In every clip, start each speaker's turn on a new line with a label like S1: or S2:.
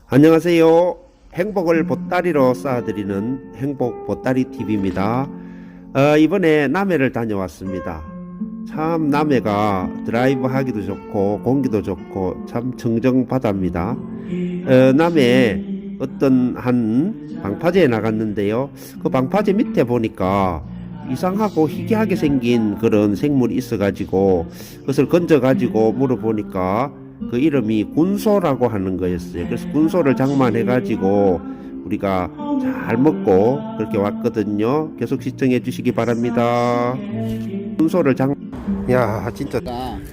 S1: 안녕하세요. 행복을 보따리로 쌓아드리는 행복 보따리 TV입니다. 이번에 남해를 다녀왔습니다. 참 남해가 드라이브 하기도 좋고 공기도 좋고 참 청정바다입니다. 남해에 어떤 한 방파제에 나갔는데요. 그 방파제 밑에 보니까 이상하고 희귀하게 생긴 그런 생물이 있어가지고 그것을 건져가지고 물어보니까 그 이름이 군소라고 하는 거였어요. 그래서 군소를 장만해가지고 우리가 잘 먹고 그렇게 왔거든요. 계속 시청해 주시기 바랍니다. 군소를 야 진짜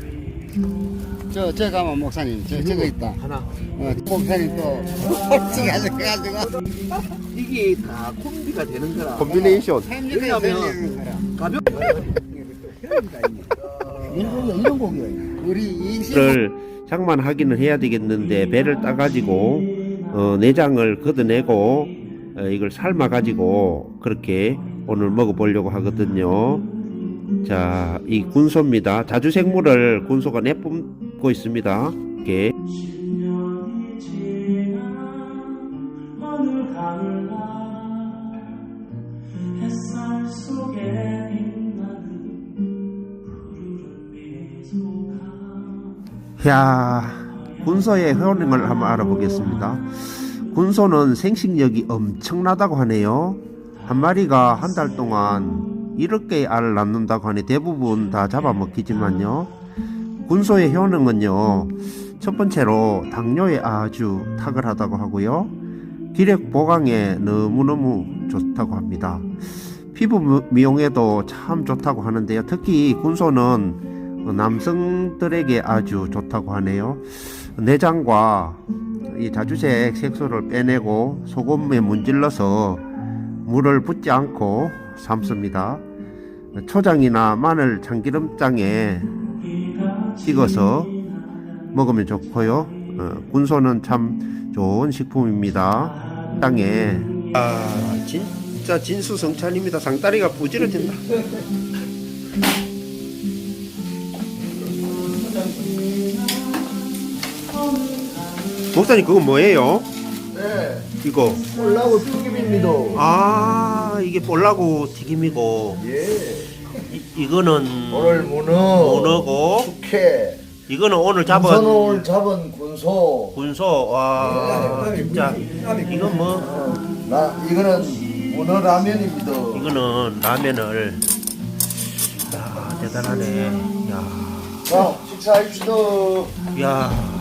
S2: 저 가면 목사님 저거 있다
S1: 하나
S2: 목사님 또 솔직히 하셔가지고
S1: 이게 다 콤비가 되는 거라 콤비네이션. 왜냐면 가볍
S2: 이런 곡이에요. 우리 인생
S1: 를 장만하기는 해야 되겠는데 배를 따가지고 내장을 걷어내고 이걸 삶아가지고 그렇게 오늘 먹어보려고 하거든요. 자, 이 군소입니다. 자주생물을 군소가 내뿜고 있습니다. 이렇게. 야, 군소의 효능을 한번 알아보겠습니다. 군소는 생식력이 엄청나다고 하네요. 한 마리가 한 달 동안 7개의 알을 낳는다고 하니 대부분 다 잡아먹히지만요. 군소의 효능은요, 첫 번째로 당뇨에 아주 탁월하다고 하고요. 기력 보강에 너무너무 좋다고 합니다. 피부 미용에도 참 좋다고 하는데요. 특히 군소는 남성들에게 아주 좋다고 하네요. 내장과 이 자주색 색소를 빼내고 소금에 문질러서 물을 붓지 않고 삶습니다. 초장이나 마늘 참기름장에 찍어서 먹으면 좋고요. 군소는 참 좋은 식품입니다. 땅에 진짜 진수성찬입니다. 상다리가 부지러진다. 목사님 그거 뭐예요?
S2: 네
S1: 이거
S2: 올라고 튀김입니다.
S1: 아 이게 볼라고 튀김이고
S2: 예
S1: 이거는
S2: 오늘
S1: 문어고
S2: 숙회
S1: 이거는 오늘 잡은
S2: 군소를 잡은 군소
S1: 군소. 와 진짜 이건 뭐
S2: 이거는 문어 라면입니다.
S1: 이거는 라면을 야 대단하네.
S2: 자 식사합시다.
S1: 야